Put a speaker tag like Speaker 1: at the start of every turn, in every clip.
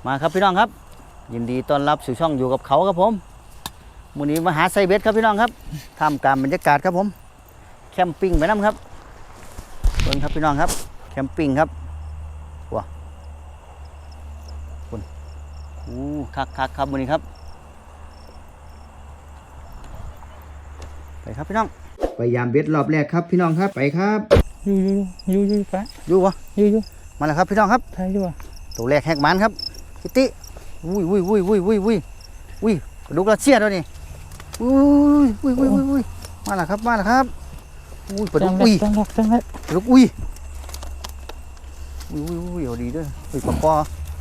Speaker 1: มาครับพี่น้องครับยินดีต้อนรับสู่ช่องอยู่กับเขาครับผมมื้อนี้มาหาไซเบ็ดครับพี่น้องครับท่ามกลางบรรยากาศครับผมแคมปิ้งไปน้ำครับเบิ่งครับพี่น้องครับแคมปิ้งครับว้าคุณคักครับมื้อนี้ครับไปครับพี่น้องไปยามเบ็ดรอบแรกครับพี่น้องครับไปครับ
Speaker 2: อยู่ปะ
Speaker 1: อยู่วะ
Speaker 2: อยู่
Speaker 1: มาแล้วครับพี่น้องครับ
Speaker 2: ใช่อยู่อ่ะ
Speaker 1: ตัวแรกแหกมันครับคิตตี้อุ้ยกระดูกรัสเซียด้วยนี่อุ้ยมาแล้วครับอุ้ยปลาดุกอุ้ย
Speaker 2: จังเลย
Speaker 1: ปลาดุกอุ้ยเอาดีด้วยอุ้ยปลาคอ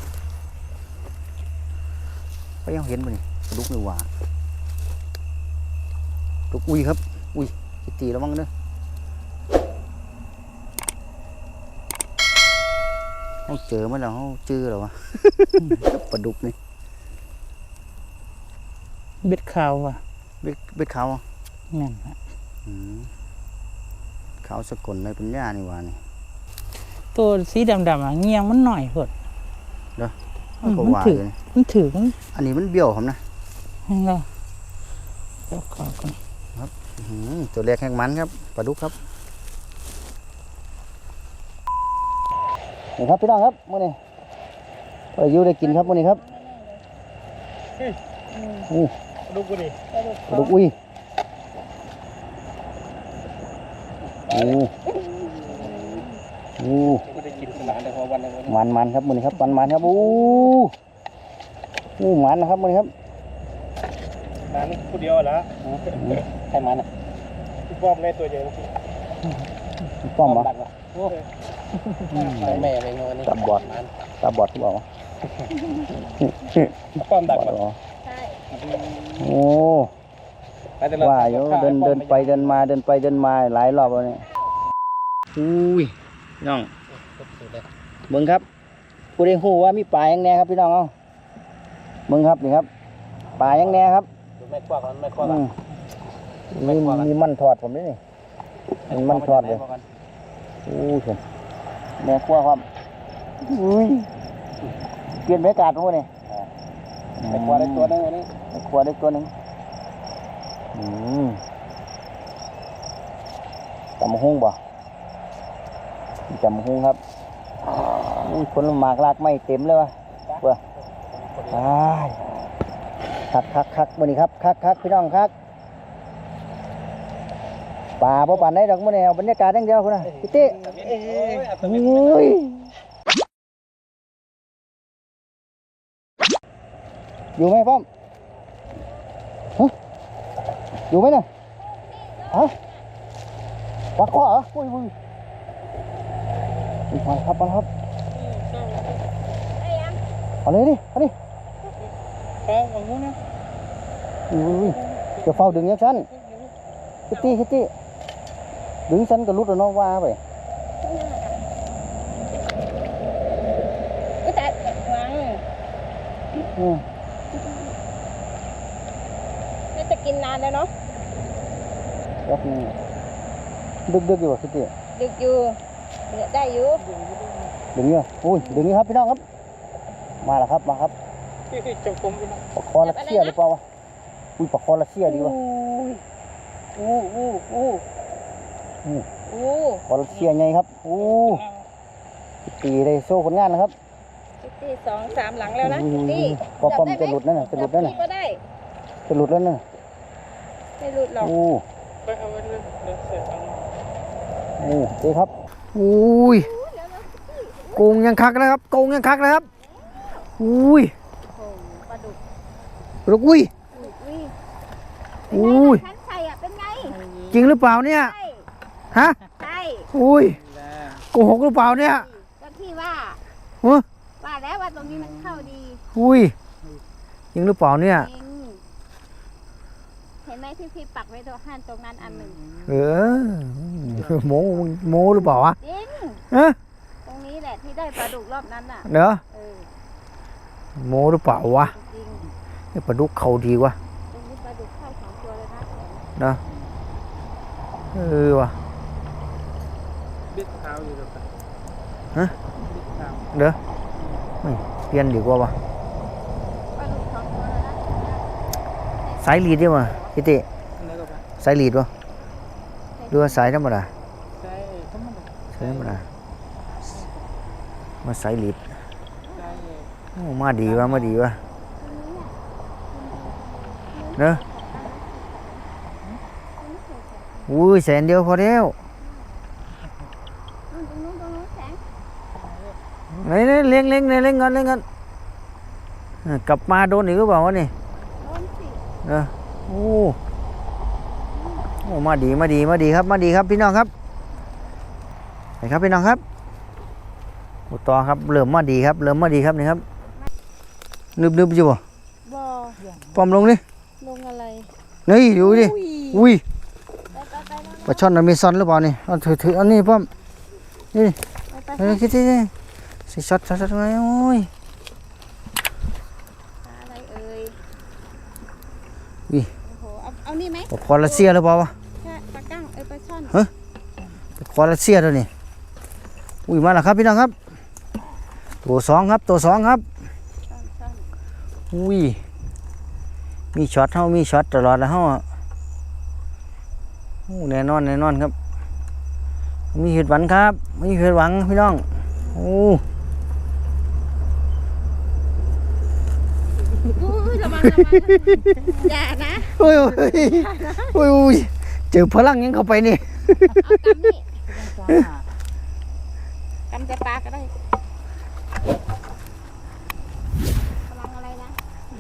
Speaker 1: ไปยังเห็นป่ะนี่ปลาดุกนี่หว่าปลาดุกอุ้ยครับอุ้ยคิตตี้แล้วมั้งเด้อเขาเจอมาแล้วเขาเจอแล้ววะปลาดุกนี่
Speaker 2: เบ็ดขาวอ่ะ
Speaker 1: เบ็ดขาว
Speaker 2: นั่นฮะ
Speaker 1: ขาวสกุลในปัญญานี่ว่านี่
Speaker 2: ตัวสีดำอ่ะเงียงมันหน่อยเถิด
Speaker 1: เด้อ
Speaker 2: มันถือ
Speaker 1: อันนี้มันเบี้ยวครับนะ
Speaker 2: นั่นแหละเดี๋ยวขอก่อน
Speaker 1: ครับตัวแรกแห้งมันครับปลาดุกครับนี่ครับพี่น้องครับมื้อนี้ไปอยู่ได้กินครับมื้อนี้ครับ
Speaker 2: ปลาดุกกูดิ
Speaker 1: ปลาดุกอุ้ยมันครับมื้อนี้ครับมันครับมันนะครับมื้อนี้ครับ
Speaker 2: มันผู้เดียวละ
Speaker 1: ใครมันอ่ะ
Speaker 2: ป้อมในตัวใหญ่
Speaker 1: ป้อมเหรอ
Speaker 2: แม่เป็นวันนี้
Speaker 1: ตาบอดที่บอกว่า
Speaker 2: ป้อมดัก
Speaker 1: เหรอโอ้ว่าอยู่เดินไปเดินมาหลายรอบแล้วเนี่ยอุ้ยน้องมึงครับกูได้หูว่ามีปลาอย่างแน่ครับพี่น้องเอามึงครับนี่ครับปลาอย่างแน่ครับ
Speaker 2: ไม่ควัก
Speaker 1: มีมันทอดผมด้วยนี่มันทอดเลยผมแม่ครัวครับเปลี่ยนบรรยากาศพวกนี้
Speaker 2: ไม่ควักได้ตัวนึงวันนี้
Speaker 1: แม่ครัวได้ตัวนึงจำหุ้งบ่จำหุ้งครับคนหมากลากไม่เต็มเลยวะเว้ยคักมื้อนี้ครับคักพี่น้องคักป่าบ่ป่านได้ดอกมื้อนี้เอาบรรยากาศอย่างเดียวคุณน่ะพี่ติอยู่ไหมป้อมอยู่ไหมเนี่ยวัดข้อเหรออุ้ยมาครับเอาเลยดิ
Speaker 2: เอางูนะ
Speaker 1: จะเฝ้าดึงยังฉันคิตตี้ดึงฉันก็รุดแล้วน้องว่าไป
Speaker 3: ก็แต่วางน่าจะกินนานแล้วเนาะ
Speaker 1: ดึกอยู่คิตตี้
Speaker 3: ดึกอยู่ได้อยู่
Speaker 1: ดึงเยอะดึงนี้ครับพี่น้องครับมาแล้วครับ
Speaker 2: จงกรม
Speaker 1: ปลาคอรัสเซียหรือเปล่าวะปลาคอรัสเซียดีวะคอรัสเซียไงครับตีได้โซ่ผลงานนะครับ
Speaker 3: ตี2-3หลังแล้วนะตี
Speaker 1: ป้อมจะหลุดนั่นน่ะจะหลุดแล้วน่ะ
Speaker 3: ไม่
Speaker 1: หลุดหรอก
Speaker 2: ไปเอาไว้เลย
Speaker 1: ดีครับโกงยังคักนะครับปลาดุก
Speaker 3: ฉันใส่อ่ะเป็นไง
Speaker 1: จริงหรือเปล่าเนี่ยฮะ
Speaker 3: ใช่
Speaker 1: โกหกหรือเปล่าเนี่ย
Speaker 3: ก็ที่ว่าแล้วว่าตรงนี้มันเข้าดี
Speaker 1: จริงหรือเปล่าเนี่ย
Speaker 3: เห็นไหมที่พี่ปักไว้ตรงนั้นอันหนึ่ง
Speaker 1: โมหรือเปล่าวะ
Speaker 3: จริงตรงนี้แหละที่ได้ปลาดุกรอบนั้นน่ะ
Speaker 1: เนอะโมหรือเปล่าวะปลาดุกเขาดีวะ
Speaker 3: ตรงนี้ปลาดุกเข้า2 ตัวเลย
Speaker 1: นะว่ะ
Speaker 2: เบ็ดขาวอยู่หรอ
Speaker 1: ฮะเด้อเปลี่ยนดีกว่าวะสายลีดดีกว่าพี่ติ
Speaker 2: แล้วก็ไป
Speaker 1: สายลีดวะดูว่าสายธรรมดา
Speaker 2: ใช่ธรรมดา
Speaker 1: สายธรรมดามาสายลีด
Speaker 2: ใช่
Speaker 1: โอ้มาดีวะมาดีวะเนอะอุ้ยแสนเดียวพอแล้ว
Speaker 3: ตรงนู้นแสง
Speaker 1: ไหนเลี้ยงเลี้ยงก่อนกลับมาโดนอีกหรือเปล่าวะนี่
Speaker 3: โดนสิ
Speaker 1: เออโอ้โอ้มาดีครับมาดีครับพี่น้องครับไหนครับพี่น้องครับโอ้ต่อครับเริ่มมาดีครับนี่ครับนึบอยู่บ่
Speaker 3: บ่
Speaker 1: ปอมลงดิ
Speaker 3: ลงอะไร
Speaker 1: นี่ดูดิอุ้ย
Speaker 3: ไป
Speaker 1: ปลาช่อนอเมซอนหรือเปล่านี่เอาถืออันนี้ป้อมนี่คิดดิสิช็อตไงโอ้ย
Speaker 3: อะไรเอ่ย
Speaker 1: อุ้ย
Speaker 3: โอ้โหเอานี่ไหม
Speaker 1: ปลาคอรัสเซียหรือเปล่าวะ
Speaker 3: แค่ปลากั้งปลาช่อน
Speaker 1: ปลาคอรัสเซียตัวนี้อุ้ยมาแล้วครับพี่น้องครับตัวสองครับ
Speaker 3: ช่อน
Speaker 1: อุ้ยมีช็อตมีช็อตตลอดแล้วเฮาอะโอ้แน่นอนครับมีเหตุหวังครับมีเหตุหวังพี่น้องโอ้
Speaker 3: อุ้ยระวังอย่านะ
Speaker 1: โอ้ยเจอพลังยังเข้าไปนี่
Speaker 3: เอากำนี่กำจะปลาก็ได้ระวังอะไรนะ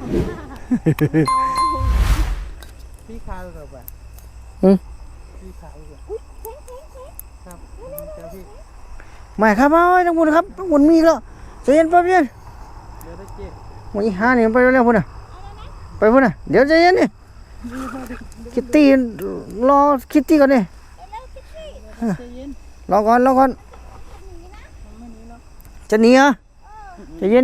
Speaker 2: พี่ขาวกับแบบพี่ขาวกับครับเจ้าพี่
Speaker 1: ไม่ครับเอาไว้ทั้งหมดครับทั้งหมดมีอีกแล้วใจเย็นแป๊บเดียว
Speaker 2: เดี๋ยวได้เจ๊
Speaker 1: หมดอีห้านี่ไปเร็วๆพุ่นน่ะไปพุ่นน่ะเดี๋ยวใจเย็นนี่คิตตี้รอคิตตี้ก่อนนี่
Speaker 2: ใจเย็น
Speaker 1: รอก่อน
Speaker 2: ไม่หนีหรอก
Speaker 1: จะหนีเหรอใจเย็น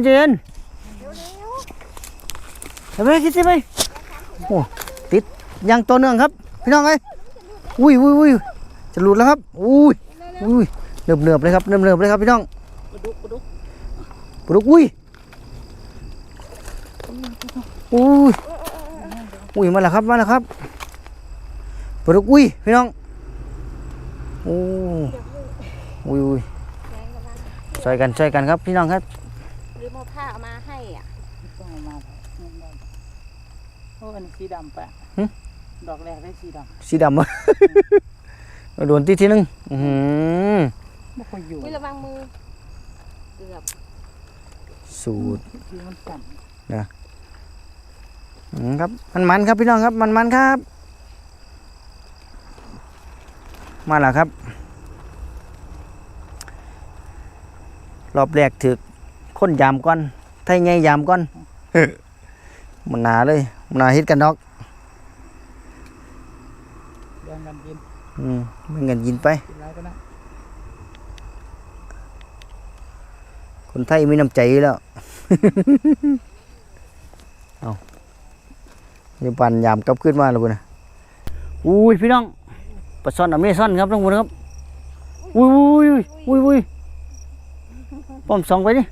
Speaker 1: ไปไหมคิตตี้ไปโอ้ติดยังตัวเนื่องครับพี่น้องเอ้ยอุ้ยจะหลุดแล้วครับอุ้ยเนือบเลยครับเลยครับพี่น้อง
Speaker 2: ปลาดุก
Speaker 1: ปลุกอุ้ยมาแล้วครับปลุกพี่น้องโอ้อุ้ยช่วยกันครับพี่น้องครับ
Speaker 3: หรือโมผ้าเอามาให้อ่ะ
Speaker 2: ต้องเอามาโอ้อันนี้สีดำปะดอกแรกได้สีด
Speaker 1: สีดำวะ โดนทีนึง
Speaker 2: ำไม่ค่อยอยู่
Speaker 3: อุ้ยระวังมือเกือบ
Speaker 1: สูตร
Speaker 2: ที่มันสั่น
Speaker 1: ครับมันครับพี่น้องครับมันครับมาแล้วครับรอบแรกถึกค้นยามก่อนไทยไงยามก่อน มันหนาเลยมันหนาฮิตกันดอก
Speaker 2: แดงกันกิน
Speaker 1: ไม่เงินยินไป
Speaker 2: กินไรก็ได้
Speaker 1: คนไทยมีน้ำใจอยู่แล้ว เอาอย่าปั่นยามกลับขึ้นมาแล้วบุญนะอุ้ยพี่น้องปลาซ่อนอเมซอนครับทั้งหมดครับอุ้ยป้อมส่องไปดิ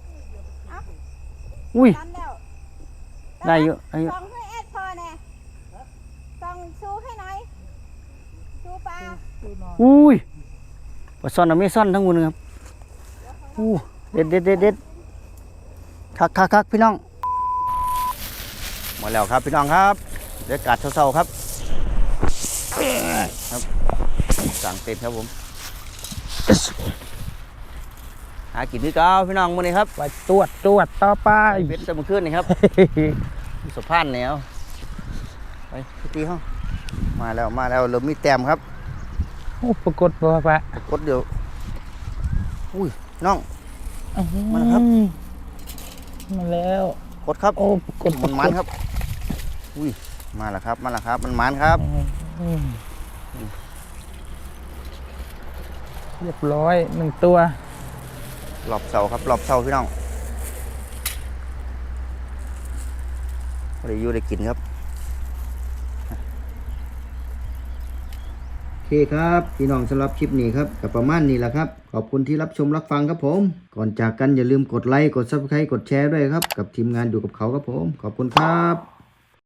Speaker 1: อุ้ย
Speaker 3: ตันแล้ว
Speaker 1: ได้เยอะ
Speaker 3: ส่องให้แอดพอแน่ส่องชูให้หน่อยชูปลา
Speaker 2: ดูหน่อย
Speaker 1: อุ้ยปลาซ่อนอเมซอนทั้งหมดครับอู้เด็ดคักพี่น้องมาแล้วครับพี่น้องครับเดี๋ยวกัดเศร้าๆครับสั่งเต็มครับผมหากินที่เก้าพี่น้องมื้อนี้ครับ
Speaker 2: ไปตรวจต่อไป
Speaker 1: เป็ดเสมอขึ้นนี่ครับสะพานแนวไปพี่ตีห้องมาแล้วเริ่มมีแต้มครับ
Speaker 2: โอ้ปรากฏว่าปะ
Speaker 1: กดเดี๋ยวอุ้ยน้อง มาแล้วครับ
Speaker 2: มาแล้ว
Speaker 1: กดครับ
Speaker 2: โอ้ปรากฏ
Speaker 1: มันครับอุ้ยมาแล้วครับมันมันครับ
Speaker 2: เรียบร้อย1 ตัว
Speaker 1: หลอบเสาครับหลอบเสาพี่น้องได้อยู่ได้กินครับโอเคครับพี่น้องสำหรับคลิปนี้ครับกับประมาณนี้แหละครับขอบคุณที่รับชมรับฟังครับผมก่อนจากกันอย่าลืมกดไลค์กด Subscribe กดแชร์ด้วยครับกับทีมงานอยู่กับเขาครับผมขอบคุณครับ